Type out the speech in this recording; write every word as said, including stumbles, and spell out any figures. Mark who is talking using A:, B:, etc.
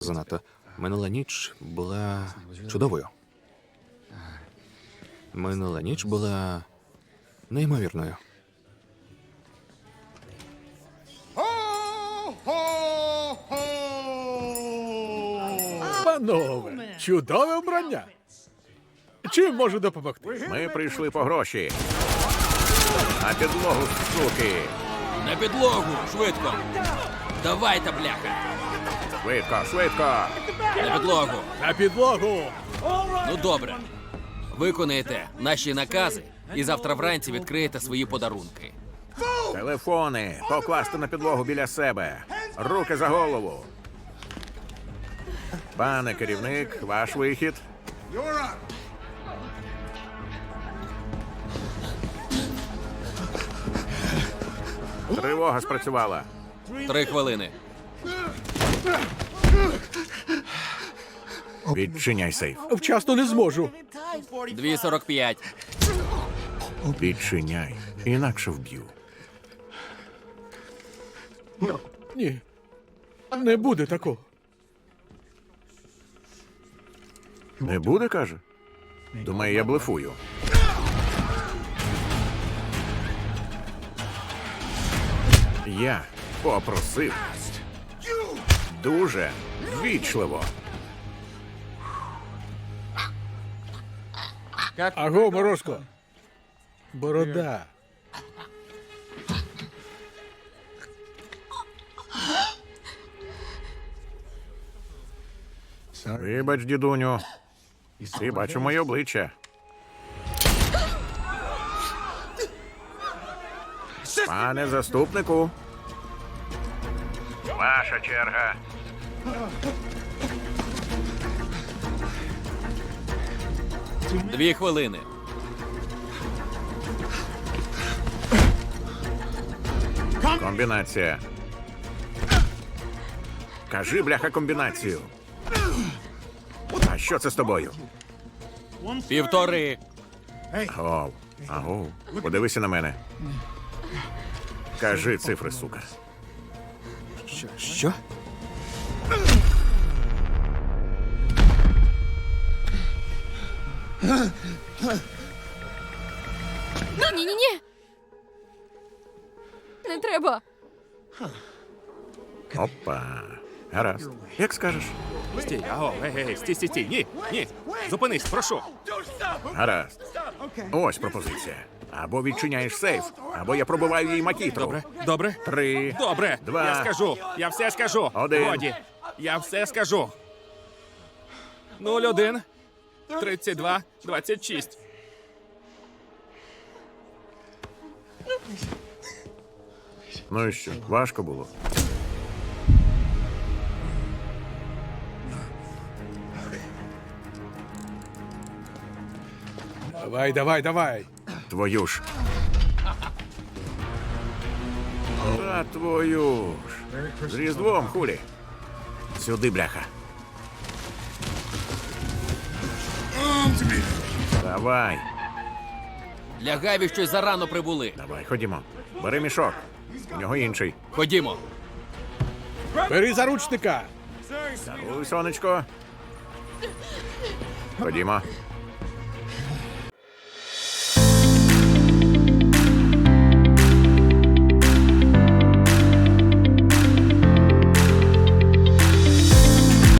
A: Занадто. Минула ніч була чудовою. Минула ніч була неймовірною.
B: Панове, чудове вбрання. Чим можу допомогти?
C: Ми прийшли по гроші. На підлогу, суки.
D: На підлогу, швидко. Давайте, бляха.
C: Швидко, швидко.
D: На підлогу.
B: На підлогу!
D: Ну добре. Виконайте наші накази і завтра вранці відкриєте свої подарунки.
C: Телефони покласти на підлогу біля себе. Руки за голову. Пане керівник, ваш вихід. Тривога спрацювала.
D: Три хвилини.
C: Відчиняй сейф.
B: Вчасно не зможу.
D: Дві сорок п'ять.
C: Відчиняй. Інакше вб'ю.
B: Ні. Не буде такого.
C: Не буде, каже? Думає, я блефую. Я попросив. Дуже ввічливо.
B: Аго, Морозко. Борода.
C: Вибач, дідуню. Ти бачу моє обличчя. Пане заступнику. Ваша черга.
D: Дві хвилини.
C: Комбінація. Кажи, бляха, комбінацію. А що це з тобою?
D: Півтори.
C: Агов, агов, подивися на мене. Кажи цифри, сука.
A: Що? Що?
E: Ні-ні-ні! Не треба!
C: Опа. Гаразд. Як скажеш?
F: Стій, аго, гей, гей, стій, стій, стій, ні, ні, зупинись, прошу.
C: Гаразд. Ось пропозиція. Або відчиняєш сейф, або я пробиваю їй макітру.
F: Добре, добре,
C: Три.
F: добре,
C: Два.
F: я скажу, я все скажу.
C: Один.
F: Годі, я все скажу. Нуль один, тридцять два, двадцять шість.
C: Ну і що, важко було?
B: Давай, давай, давай.
C: Твою ж. Та твою ж. З Різдвом, хулі. Сюди, бляха. Давай,
D: Для Гаві щось зарано прибули.
C: давай, ходімо. Бери мішок. У нього інший.
D: Ходімо.
B: Бери заручника.
C: Даруй, сонечко. Ходімо.